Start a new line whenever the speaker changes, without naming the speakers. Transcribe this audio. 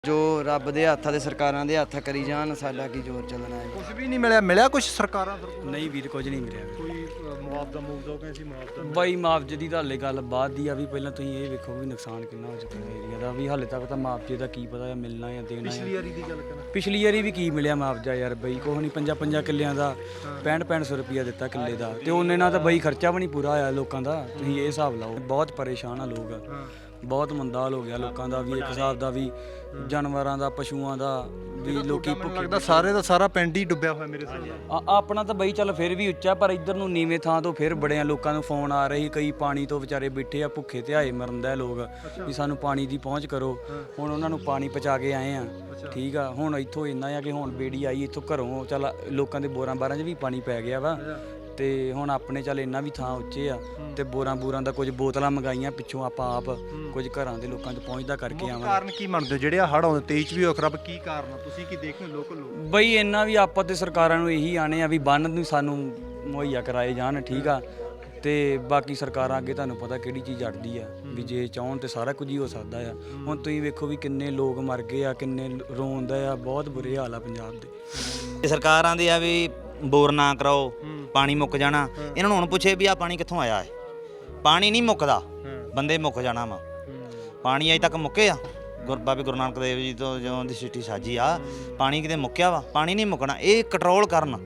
ਜੋ ਰੱਬ ਦੇ ਹੱਥਾਂ ਤੇ ਸਰਕਾਰਾਂ ਦੇ ਹੱਥ ਕਰੀ ਜਾਣ, ਸਾਡਾ ਕੀ ਜ਼ੋਰ ਚੱਲਣਾ ਹੈ।
ਕੁਝ ਵੀ ਨਹੀਂ ਮਿਲਿਆ ਕੁਝ ਸਰਕਾਰਾਂ ਤਰਫੋਂ?
ਨਹੀਂ ਵੀਰ, ਕੁਝ ਨਹੀਂ ਮਿਲਿਆ
ਕੋਈ ਮੁਆਵਜ਼ਾ ਕਹਿੰਦੇ ਸੀ ਮੁਆਵਜ਼ਾ
ਬਾਈ। ਮੁਆਵਜ਼ੇ ਦੀ ਤਾਂ ਹਾਲੇ ਗੱਲ ਬਾਅਦ ਦੀ ਆ ਵੀ ਪਹਿਲਾਂ ਤੁਸੀਂ ਇਹ ਵੇਖੋ ਵੀ ਨੁਕਸਾਨ ਕਿੰਨਾ ਹੋ ਚੁੱਕਾ ਹੈ ਏਰੀਆ ਦਾ, ਵੀ ਹਾਲੇ ਤੱਕ ਤਾਂ ਮੁਆਵਜ਼ੇ ਦਾ ਕੀ ਪਤਾ ਮਿਲਣਾ ਜਾਂ ਦੇਣਾ।
ਪਿਛਲੀ ਵਾਰੀ ਦੀ ਗੱਲ ਕਰਾਂ,
ਪਿਛਲੀ ਵਾਰੀ ਵੀ ਕੀ ਮਿਲਿਆ ਮੁਆਵਜ਼ਾ ਯਾਰ ਬਈ, ਕੁਛ ਨਹੀਂ। 5 ਕਿੱਲਿਆਂ ਦਾ 6500 ਰੁਪਇਆ ਦਿੱਤਾ ਕਿੱਲੇ ਦਾ, ਤੇ ਉਹਨੇ ਨਾਲ ਤਾਂ ਬਈ ਖਰਚਾ ਵੀ ਨਹੀਂ ਪੂਰਾ ਹੋਇਆ ਲੋਕਾਂ ਦਾ। ਤੁਸੀਂ ਇਹ ਹਿਸਾਬ ਲਾਓ, ਬਹੁਤ ਪਰੇਸ਼ਾਨ ਆ ਲੋਕ, ਬਹੁਤ ਮੰਦਾ ਹਾਲ ਹੋ ਗਿਆ ਲੋਕਾਂ ਦਾ ਵੀ, ਇੱਕ ਹਿਸਾਬ ਦਾ ਵੀ ਜਾਨਵਰਾਂ ਦਾ, ਪਸ਼ੂਆਂ ਦਾ ਵੀ। ਲੋਕੀ ਭੁੱਖੇ
ਲੱਗਦਾ ਸਾਰੇ ਦਾ ਸਾਰਾ ਪਿੰਡ ਹੀ ਡੁੱਬਿਆ ਹੋਇਆ ਮੇਰੇ ਹਿਸਾਬ ਨਾਲ।
ਆਪਣਾ ਤਾਂ ਬਈ ਚੱਲ ਫਿਰ ਵੀ ਉੱਚਾ, ਪਰ ਇੱਧਰ ਨੂੰ ਨੀਵੇਂ ਥਾਂ ਤੋਂ ਫਿਰ ਬੜਿਆਂ ਲੋਕਾਂ ਨੂੰ ਫੋਨ ਆ ਰਹੇ, ਕਈ ਪਾਣੀ ਤੋਂ ਵਿਚਾਰੇ ਬੈਠੇ ਆ ਭੁੱਖੇ ਧਿਆਏ ਮਰਨ ਦਾ ਲੋਕ, ਵੀ ਸਾਨੂੰ ਪਾਣੀ ਦੀ ਪਹੁੰਚ ਕਰੋ। ਹੁਣ ਉਹਨਾਂ ਨੂੰ ਪਾਣੀ ਪਹੁੰਚਾ ਕੇ ਆਏ ਆ, ਠੀਕ ਆ। ਹੁਣ ਇੱਥੋਂ ਇੰਨਾ ਆ ਕਿ ਹੁਣ ਬੇੜੀ ਆਈ ਇੱਥੋਂ ਘਰੋਂ, ਚੱਲ ਲੋਕਾਂ ਦੇ ਬੋਰਾਂ ਬਾਰਾਂ 'ਚ ਵੀ ਪਾਣੀ ਪੈ ਗਿਆ ਵਾ, ਤੇ ਹੁਣ ਆਪਣੇ ਚੱਲ ਇੰਨਾ ਵੀ ਥਾਂ ਉੱਚੇ ਆ, ਤੇ ਬੋਰਾਂ ਦਾ ਕੁਝ ਬੋਤਲਾਂ ਮੰਗਾਈਆਂ ਪਿੱਛੋਂ ਆਪਾਂ ਆਪ, ਕੁਝ ਘਰਾਂ ਦੇ ਲੋਕਾਂ 'ਚ ਪਹੁੰਚਦਾ ਕਰਕੇ ਆਵਾਂ।
ਕਾਰਨ ਕੀ ਮੰਨਦੇ ਹੋ ਜਿਹੜੇ ਆ ਹੜ੍ਹ ਆਉਂਦੇ 23 ਚ ਵੀ ਹੋ ਖਰਾਬ? ਕੀ ਕਾਰਨ ਆ, ਤੁਸੀਂ ਕੀ ਦੇਖਦੇ ਹੋ ਲੋਕਲ ਲੋਕ?
ਬਈ ਇੰਨਾ ਵੀ ਆਪਾਂ ਤੇ ਸਰਕਾਰਾਂ ਨੂੰ ਇਹੀ ਆਣੇ ਆ ਵੀ ਬੰਨ ਨੂੰ ਸਾਨੂੰ ਮੁਹੱਈਆ ਕਰਾਏ ਜਾਣ, ਠੀਕ ਆ। ਤੇ ਬਾਕੀ ਸਰਕਾਰਾਂ ਅੱਗੇ ਤੁਹਾਨੂੰ ਪਤਾ ਕਿਹੜੀ ਚੀਜ਼ ਅੜਦੀ ਆ, ਵੀ ਜੇ ਚਾਹਣ ਤੇ ਸਾਰਾ ਕੁਝ ਹੀ ਹੋ ਸਕਦਾ ਆ। ਹੁਣ ਤੁਸੀਂ ਵੇਖੋ ਵੀ ਕਿੰਨੇ ਲੋਕ ਮਰ ਗਏ ਆ, ਕਿੰਨੇ ਰੋਂਦਾ ਆ, ਬਹੁਤ ਬੁਰੇ ਹਾਲ ਆ ਪੰਜਾਬ ਦੇ।
ਸਰਕਾਰਾਂ ਦੇ ਆ ਵੀ ਬੋਰ ਨਾ ਕਰਾਓ, ਪਾਣੀ ਮੁੱਕ ਜਾਣਾ। ਇਹਨਾਂ ਨੂੰ ਹੁਣ ਪੁੱਛੇ ਵੀ ਆ ਪਾਣੀ ਕਿੱਥੋਂ ਆਇਆ ਹੈ? ਪਾਣੀ ਨਹੀਂ ਮੁੱਕਦਾ, ਬੰਦੇ ਮੁੱਕ ਜਾਣਾ ਵਾ। ਪਾਣੀ ਅਜੇ ਤੱਕ ਮੁੱਕੇ ਆ? ਬਾਬੇ ਗੁਰੂ ਨਾਨਕ ਦੇਵ ਜੀ ਤੋਂ ਜਦੋਂ ਦੀ ਸਿੱਟੀ ਸਾਜੀ ਆ, ਪਾਣੀ ਕਿਤੇ ਮੁੱਕਿਆ ਵਾ? ਪਾਣੀ ਨਹੀਂ ਮੁੱਕਣਾ, ਇਹ ਕੰਟਰੋਲ ਕਰਨ।